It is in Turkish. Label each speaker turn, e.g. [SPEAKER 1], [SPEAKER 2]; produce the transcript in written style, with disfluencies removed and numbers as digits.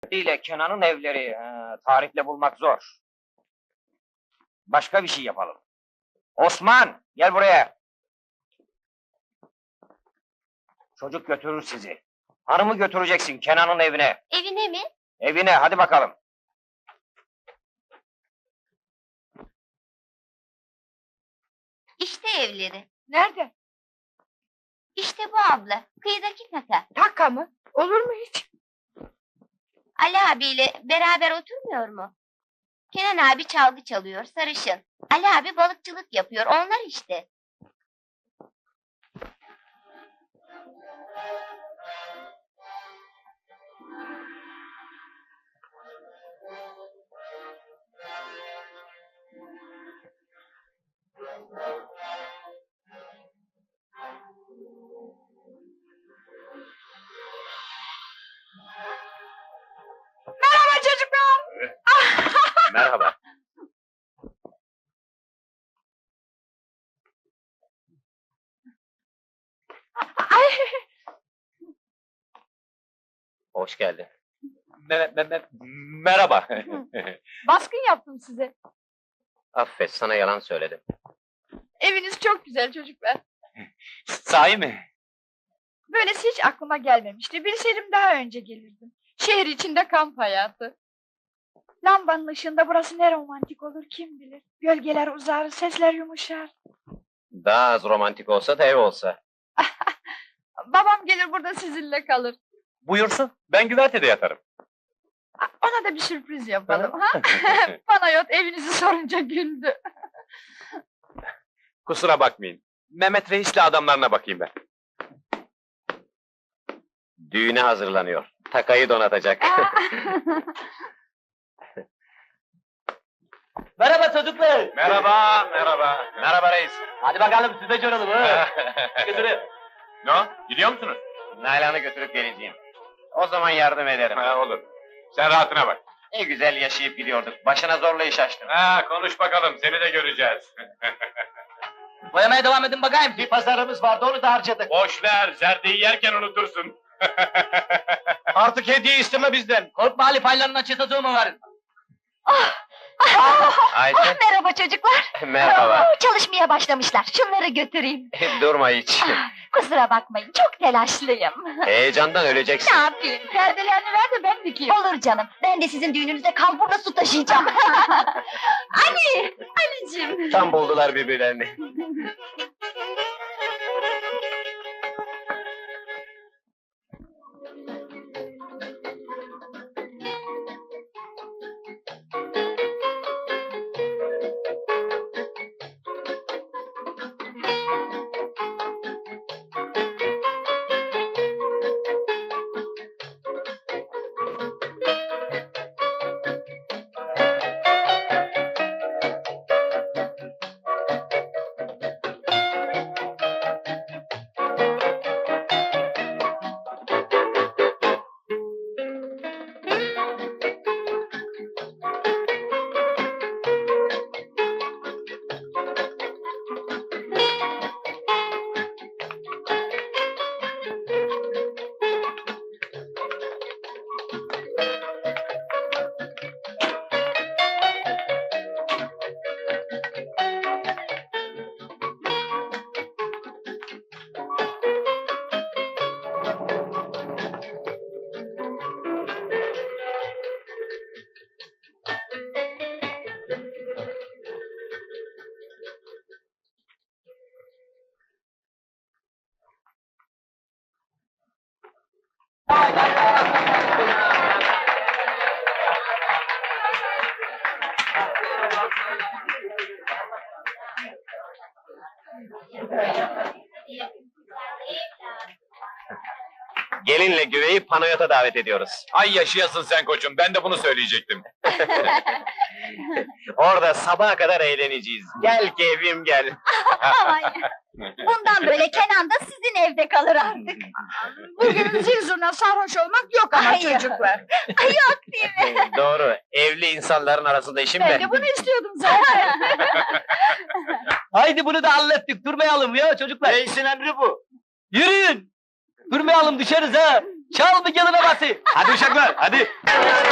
[SPEAKER 1] ile Kenan'ın evleri tarihle bulmak zor. Başka bir şey yapalım. Osman, gel buraya. Çocuk götürür sizi. Hanımı götüreceksin Kenan'ın evine.
[SPEAKER 2] Evine mi?
[SPEAKER 1] Evine, hadi bakalım.
[SPEAKER 2] İşte evleri.
[SPEAKER 3] Nerede?
[SPEAKER 2] İşte bu abla, kıyıdaki kaka.
[SPEAKER 3] Taka mı? Olur mu hiç?
[SPEAKER 2] Ali abiyle beraber oturmuyor mu? Kenan abi çalgı çalıyor, sarışın. Ali abi balıkçılık yapıyor, onlar işte.
[SPEAKER 3] Merhaba çocuklar!
[SPEAKER 1] Merhaba.
[SPEAKER 3] Ay,
[SPEAKER 1] Hoş geldin. Merhaba.
[SPEAKER 3] baskın yaptım size.
[SPEAKER 1] Affet, sana yalan söyledim.
[SPEAKER 3] Eviniz çok güzel çocuklar.
[SPEAKER 1] Sahi mi?
[SPEAKER 3] Böylesi hiç aklıma gelmemişti. Bilseydim daha önce gelirdim. Şehir içinde kamp hayatı. Lambanın ışığında burası ne romantik olur kim bilir. Gölgeler uzar, sesler yumuşar.
[SPEAKER 1] Daha az romantik olsa da ev olsa.
[SPEAKER 3] Babam gelir burada sizinle kalır.
[SPEAKER 1] Buyursun, ben güvertede yatarım.
[SPEAKER 3] Ona da bir sürpriz yapalım ha? Panayot evinizi sorunca güldü.
[SPEAKER 4] Kusura bakmayın. Mehmet Reis'le adamlarına bakayım ben.
[SPEAKER 1] Düğüne hazırlanıyor. Takayı donatacak.
[SPEAKER 5] Merhaba çocuklar.
[SPEAKER 4] Merhaba, merhaba.
[SPEAKER 1] Merhaba reis.
[SPEAKER 5] Hadi bakalım size göralım ha. Götürün.
[SPEAKER 4] Ne o? Gidiyor musunuz?
[SPEAKER 1] Nalan'ı götürüp geleceğim. O zaman yardım ederim.
[SPEAKER 4] Ha, olur. Sen rahatına bak.
[SPEAKER 1] Ne güzel yaşayıp gidiyorduk. Başına zorla iş açtın.
[SPEAKER 4] Ha, konuş bakalım, seni de göreceğiz.
[SPEAKER 5] Boyamaya devam edin bakayım. Bir pazarımız vardı onu da harcadık.
[SPEAKER 4] Boş ver, zerdeyi yerken unutursun.
[SPEAKER 5] Artık hediye isteme bizden. Korkma Ali paylarına çıtacığımı verin.
[SPEAKER 1] Ayşe,
[SPEAKER 2] Merhaba çocuklar.
[SPEAKER 1] merhaba.
[SPEAKER 2] Çalışmaya başlamışlar, şunları götüreyim.
[SPEAKER 1] Durma hiç.
[SPEAKER 2] Kusura bakmayın, çok telaşlıyım.
[SPEAKER 1] Heyecandan öleceksin.
[SPEAKER 2] Ne yapayım?
[SPEAKER 3] Perdelerini ver de ben dikeyim.
[SPEAKER 2] Olur canım, ben de sizin düğününüzde kalburla su taşıyacağım. Ali! Ali'cim!
[SPEAKER 1] Tam buldular birbirlerini. Gelinle güveyi panoyota davet ediyoruz.
[SPEAKER 4] Ay yaşayasın sen koçum, ben de bunu söyleyecektim.
[SPEAKER 1] Orada sabaha kadar eğleneceğiz. Gel keyfim gel.
[SPEAKER 2] Ay, bundan böyle Kenan da sizin evde kalır artık.
[SPEAKER 3] Bugün zil zurna sarhoş olmak yok ama
[SPEAKER 2] Ay.
[SPEAKER 3] çocuklar.
[SPEAKER 2] Yok değil mi?
[SPEAKER 1] Doğru, evli insanların arasında işim
[SPEAKER 3] Ben de bunu istiyordum zaten.
[SPEAKER 5] Haydi bunu da hallettik. Durmayalım ya çocuklar.
[SPEAKER 1] Reisin emri bu.
[SPEAKER 5] Yürüyün. Durmayalım düşeriz ha. Çal bir gelin havası.
[SPEAKER 4] Hadi uşaklar, hadi.